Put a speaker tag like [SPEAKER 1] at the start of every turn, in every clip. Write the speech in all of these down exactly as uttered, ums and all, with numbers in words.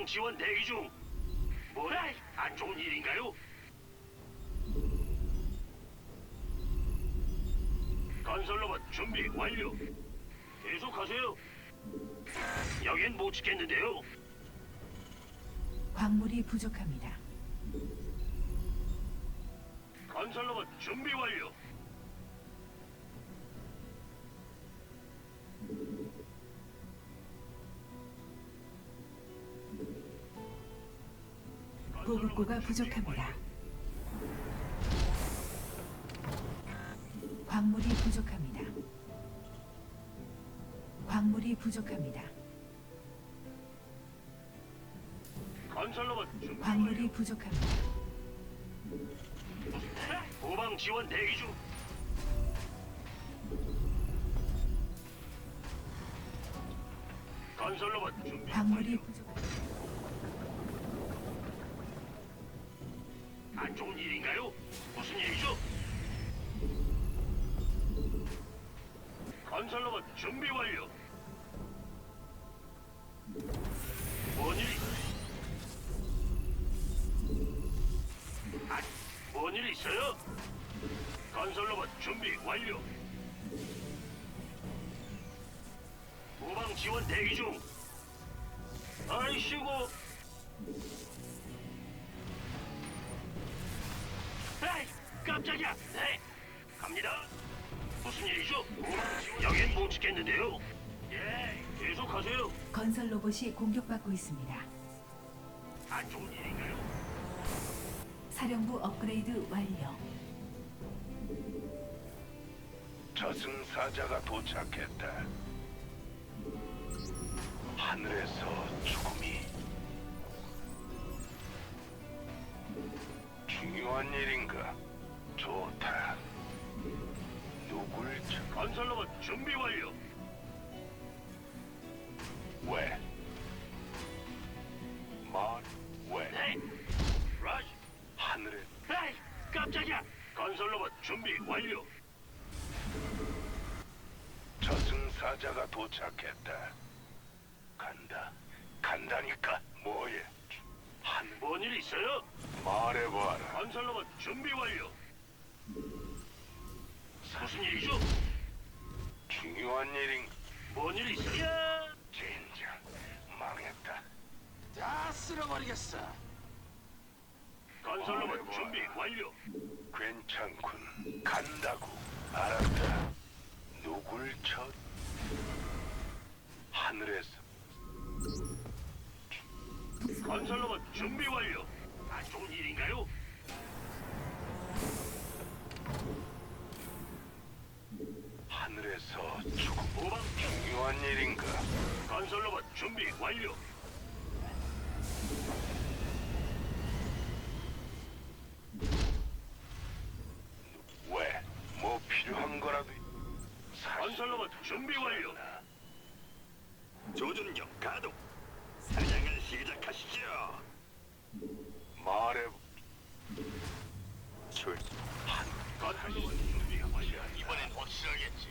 [SPEAKER 1] 후방 지원 대기 중. 뭐야? 안 좋은 일인가요? 건설로봇 준비 완료. 계속하세요. 여긴 못 지켰는데요.
[SPEAKER 2] 광물이 부족합니다.
[SPEAKER 1] 건설로봇 준비 완료.
[SPEAKER 2] 보급고가 부족합니다. 광물이 부족합니다. 광물이 부족합니다.
[SPEAKER 1] 건설로봇 준비
[SPEAKER 2] 광물이
[SPEAKER 1] 완료.
[SPEAKER 2] 부족합니다.
[SPEAKER 1] 후방 지원 대기 중. 건설로봇 준비
[SPEAKER 2] 광물이
[SPEAKER 1] 완료.
[SPEAKER 2] 부족합니다.
[SPEAKER 1] 안 좋은 일인가요? 무슨 일이죠? 건설로봇 준비 완료. 뭔 일이? 아, 뭔일 있어요? 건설로봇 준비 완료. 후방 지원 대기 중. 아이씨고. 에이, 깜짝이야. 네, 갑니다. 무슨 일이죠? 후방 지원. 여긴 못 지켰는데요. 예, 계속하세요.
[SPEAKER 2] 건설 로봇이 공격받고 있습니다.
[SPEAKER 1] 안 좋은 일인가요?
[SPEAKER 2] 사령부 업그레이드 완료.
[SPEAKER 3] 저승사자가 도착했다. 하늘에서 죽음이 중요한 일인가? 좋다. 누굴 쳐?
[SPEAKER 1] 건설로봇 준비 완료.
[SPEAKER 3] 왜? 말? 왜?
[SPEAKER 1] 네, 라지.
[SPEAKER 3] 하늘에
[SPEAKER 1] 에이, 깜짝이야. 건설로봇 준비 완료.
[SPEAKER 3] 저승사자가 도착했다. 간다. 간다니까. 뭐해? 하늘
[SPEAKER 1] 뭔 일 있어요?
[SPEAKER 3] 말해봐라.
[SPEAKER 1] 건설로봇 준비 완료. 무슨 일이죠?
[SPEAKER 3] 중요한 일인
[SPEAKER 1] 뭔 일 있어요?
[SPEAKER 3] 진짜 망했다.
[SPEAKER 4] 다 쓸어버리겠어.
[SPEAKER 1] 건설로봇 준비 완료.
[SPEAKER 3] 괜찮군. 간다고. 알았다. 누굴 쳐? 하늘에서
[SPEAKER 1] 건설로봇 준비 완료. 안 좋은 일인가요?
[SPEAKER 3] 하늘에서 죽음.
[SPEAKER 1] 후방
[SPEAKER 3] 중요한 일인가?
[SPEAKER 1] 건설로봇 준비 완료.
[SPEAKER 3] 왜? 뭐 필요한 거라도
[SPEAKER 1] 건설로봇 준비 완료.
[SPEAKER 5] 조준력 가동. 사냥을 시작하시죠.
[SPEAKER 3] 말해.
[SPEAKER 5] 출.
[SPEAKER 1] 건설로봇 준비 완료.
[SPEAKER 5] 이번엔 확실하겠지.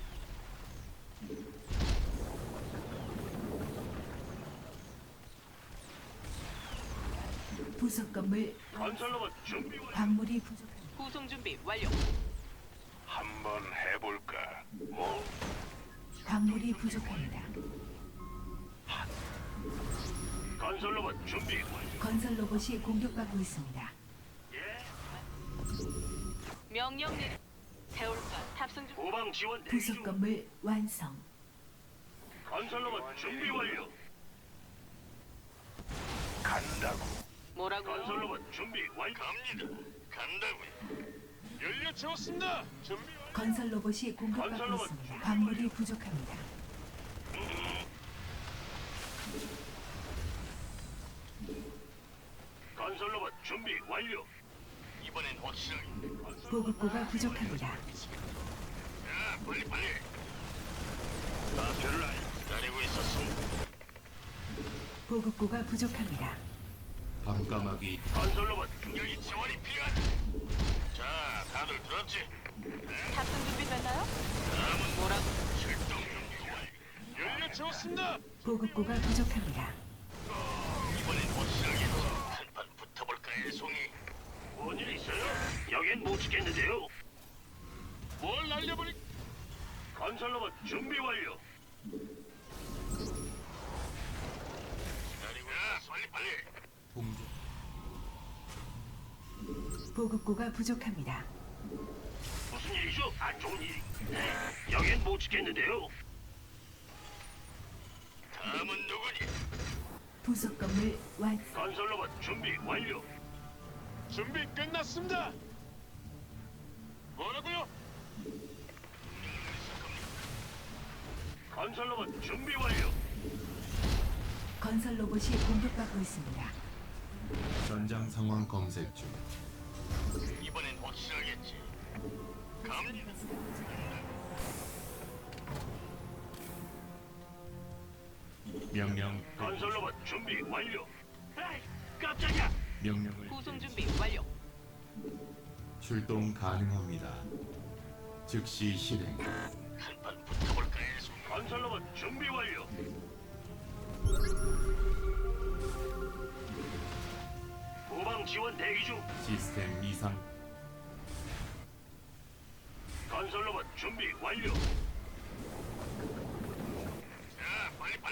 [SPEAKER 2] 부속 건물
[SPEAKER 1] 건설로봇 준비 완료.
[SPEAKER 2] 광물이 부족합니다.
[SPEAKER 6] 구송 준비 완료.
[SPEAKER 3] 한번 해볼까?
[SPEAKER 1] 뭐?
[SPEAKER 2] 광물이 부족합니다.
[SPEAKER 1] 건설로봇 준비 완료.
[SPEAKER 2] 건설 로봇이 공격받고 있습니다.
[SPEAKER 1] 예.
[SPEAKER 6] 명령 내리. 세울까 탑승 중.
[SPEAKER 1] 후방 지원 대기
[SPEAKER 2] 부속
[SPEAKER 1] 중.
[SPEAKER 2] 건물 완성.
[SPEAKER 1] 건설로봇 준비 완료.
[SPEAKER 3] 간다고.
[SPEAKER 6] 뭐라고?
[SPEAKER 1] 건설로봇 준비 완료.
[SPEAKER 5] 갑니다. 간다고요. 연료 채웠습니다. 준비 완료.
[SPEAKER 2] 건설 로봇이 공격받고
[SPEAKER 1] 건설로봇
[SPEAKER 2] 있습니다. 광물이 부족합니다.
[SPEAKER 1] 건설로봇 준비 완료.
[SPEAKER 5] 이번엔 확실하게.
[SPEAKER 2] 보급고가 부족합니다.
[SPEAKER 5] 자, 빨리 빨리. 마표를 알 기다리고 있었습니다.
[SPEAKER 2] 보급고가 부족합니다.
[SPEAKER 7] 밤까마귀
[SPEAKER 1] 건설로봇 준비
[SPEAKER 5] 여기 지원이 필요하다. 자, 다들 들었지?
[SPEAKER 6] 탑승 준비 됐나요?
[SPEAKER 5] 다음은
[SPEAKER 6] 뭐라고?
[SPEAKER 5] 출동 준비 완료. 연료 채웠습니다.
[SPEAKER 2] 보급고가 부족합니다.
[SPEAKER 5] 확실하게 한판 붙어볼까요, 송이?
[SPEAKER 1] 뭔일 있어요? 여긴 못 지켰는데요.
[SPEAKER 5] 뭘 날려버리?
[SPEAKER 1] 건설로봇 준비 완료.
[SPEAKER 5] 기다리고 야, 빨리 빨리.
[SPEAKER 7] 공격
[SPEAKER 2] 보급고가 부족합니다.
[SPEAKER 1] 무슨 일이죠? 안 좋은 일이. 네, 여긴 못 지켰는데요.
[SPEAKER 5] 다음은 누구니?
[SPEAKER 2] 부속 건물 완성.
[SPEAKER 1] 건설로봇 준비 완료.
[SPEAKER 5] 준비 끝났습니다. 뭐라고요?
[SPEAKER 1] 건설로봇 준비 완료.
[SPEAKER 2] 건설 로봇이 공격받고 있습니다.
[SPEAKER 7] 전장 상황 검색 중.
[SPEAKER 5] 이번엔 확실하겠지. 갑니다.
[SPEAKER 7] 명령
[SPEAKER 1] 건설로봇 준비 완료. 에이, 깜짝이야.
[SPEAKER 7] 명령을
[SPEAKER 6] 구송 준비 완료.
[SPEAKER 7] 출동 가능합니다. 즉시 실행.
[SPEAKER 5] 한판 붙어볼까요, 송이?
[SPEAKER 1] 건설로봇 준비 완료. 후방 지원 대기 중.
[SPEAKER 7] 시스템 이상.
[SPEAKER 1] 건설로봇 준비 완료.
[SPEAKER 5] 자, 빨리 빨리.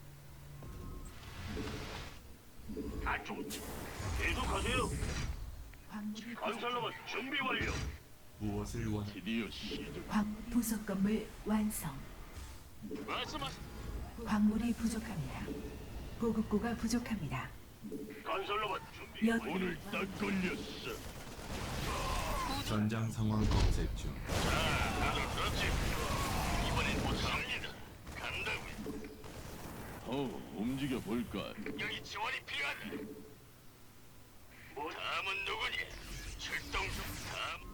[SPEAKER 1] 안 좋은. 계속하세요.
[SPEAKER 2] 광물이
[SPEAKER 1] 건설로봇 준비 완료.
[SPEAKER 7] 무엇을 원?
[SPEAKER 5] 드디어 시작.
[SPEAKER 2] 광 부속 건물 완성.
[SPEAKER 5] 말씀하세요.
[SPEAKER 2] 광물이 부족합니다. 보급고가 부족합니다.
[SPEAKER 1] 건설로봇 준비
[SPEAKER 2] 연
[SPEAKER 1] 완료.
[SPEAKER 5] 딱 걸렸어.
[SPEAKER 7] 전장 상황 검색 중.
[SPEAKER 5] 자, 다들 들었지? 이번엔 못합니다. 간다고요.
[SPEAKER 8] 어, 움직여 볼까?
[SPEAKER 5] 여기 지원이 필요하다.
[SPEAKER 1] 뭐,
[SPEAKER 5] 다음은 누구니? 출동 중. 다음.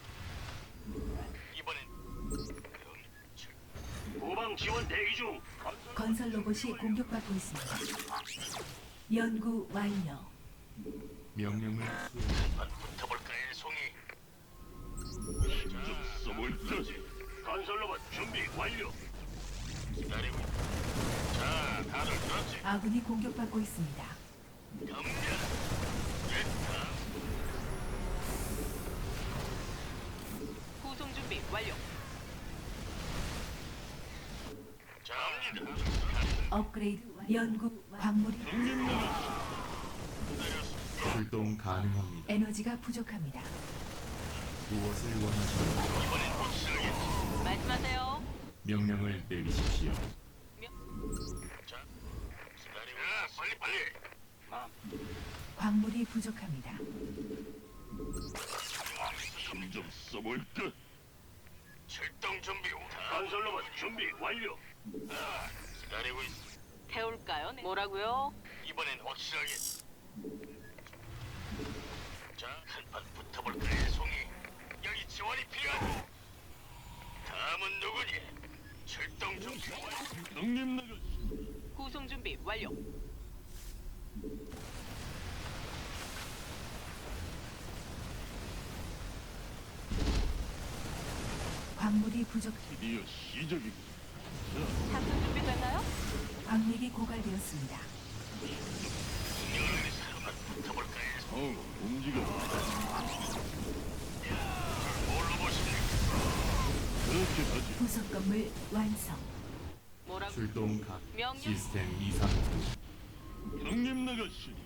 [SPEAKER 5] 이번엔 그럼 출.
[SPEAKER 1] 후방 지원 대기 중. 건설
[SPEAKER 2] 건설 로봇이 공격받고 있습니다. 연구 완료.
[SPEAKER 7] 명령을 수행.
[SPEAKER 5] 한판 붙어볼까요, 송이?
[SPEAKER 8] 좀 써볼까?
[SPEAKER 1] 건설로봇 준비 완료.
[SPEAKER 5] 기다리고. 자, 다들 들었지?
[SPEAKER 2] 아군이 공격받고 있습니다.
[SPEAKER 5] 경계. 됐다.
[SPEAKER 6] 구송 준비 완료.
[SPEAKER 5] 자, 갑니다.
[SPEAKER 2] 업그레이드 완- 연구 광물이
[SPEAKER 7] 출동 가능합니다.
[SPEAKER 2] 에너지가 부족합니다.
[SPEAKER 7] 무엇을 원하십니까?
[SPEAKER 5] 이번엔 확실하겠지.
[SPEAKER 6] 말씀하세요.
[SPEAKER 7] 명령을 내리십시오.
[SPEAKER 5] 자, 기다리고. 야, 빨리 빨리.
[SPEAKER 2] 광물이 부족합니다.
[SPEAKER 8] 힘좀 써볼까?
[SPEAKER 5] 출동 준비. 다음.
[SPEAKER 1] 건설로봇 준비 완료.
[SPEAKER 5] 아, 기다리고 있어.
[SPEAKER 6] 태울까요? 네. 뭐라고요?
[SPEAKER 5] 이번엔 확실하게. 자, 한판 붙어볼까요, 송이? 여기 지원이 필요하다. 다음은 누구니? 출동 중.
[SPEAKER 8] 형님 나가시.
[SPEAKER 6] 구송 준비 완료.
[SPEAKER 2] 광물이 부족.
[SPEAKER 8] 드디어 시작이군.
[SPEAKER 6] 탑승 준비 됐나요?
[SPEAKER 2] 광맥이 고갈되었습니다.
[SPEAKER 5] 여기 한판 붙어볼까요?
[SPEAKER 8] 어, 움직여.
[SPEAKER 5] 뭘로 보십니까?
[SPEAKER 8] 그렇게 하지.
[SPEAKER 2] 부속 건물 완성.
[SPEAKER 6] 뭐라고?
[SPEAKER 7] 출동 가.
[SPEAKER 6] 명령.
[SPEAKER 7] 시스템 이상.
[SPEAKER 8] 형님 나가신다.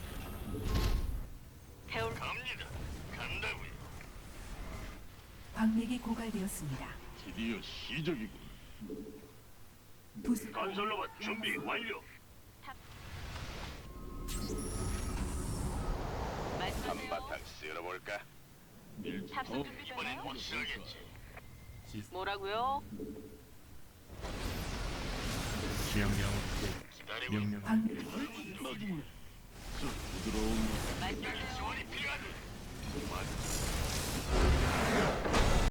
[SPEAKER 6] 태울.
[SPEAKER 5] 갑니다. 간다고요.
[SPEAKER 2] 광맥이 고갈되었습니다.
[SPEAKER 8] 드디어 시작이군.
[SPEAKER 2] 부속
[SPEAKER 1] 건설로봇 준비 완료.
[SPEAKER 6] 말씀하세요.
[SPEAKER 3] 쓸어볼까?
[SPEAKER 6] 탑승 준비
[SPEAKER 5] 이번엔
[SPEAKER 6] 됐나요?
[SPEAKER 5] 확실하겠지.
[SPEAKER 7] 시스템
[SPEAKER 6] 뭐라고요?
[SPEAKER 7] 명령.
[SPEAKER 5] 기다리고.
[SPEAKER 7] 명령.
[SPEAKER 2] 광
[SPEAKER 8] 나중에 저 부드러운
[SPEAKER 6] 말씀하세요.
[SPEAKER 5] 지원이 필요하다.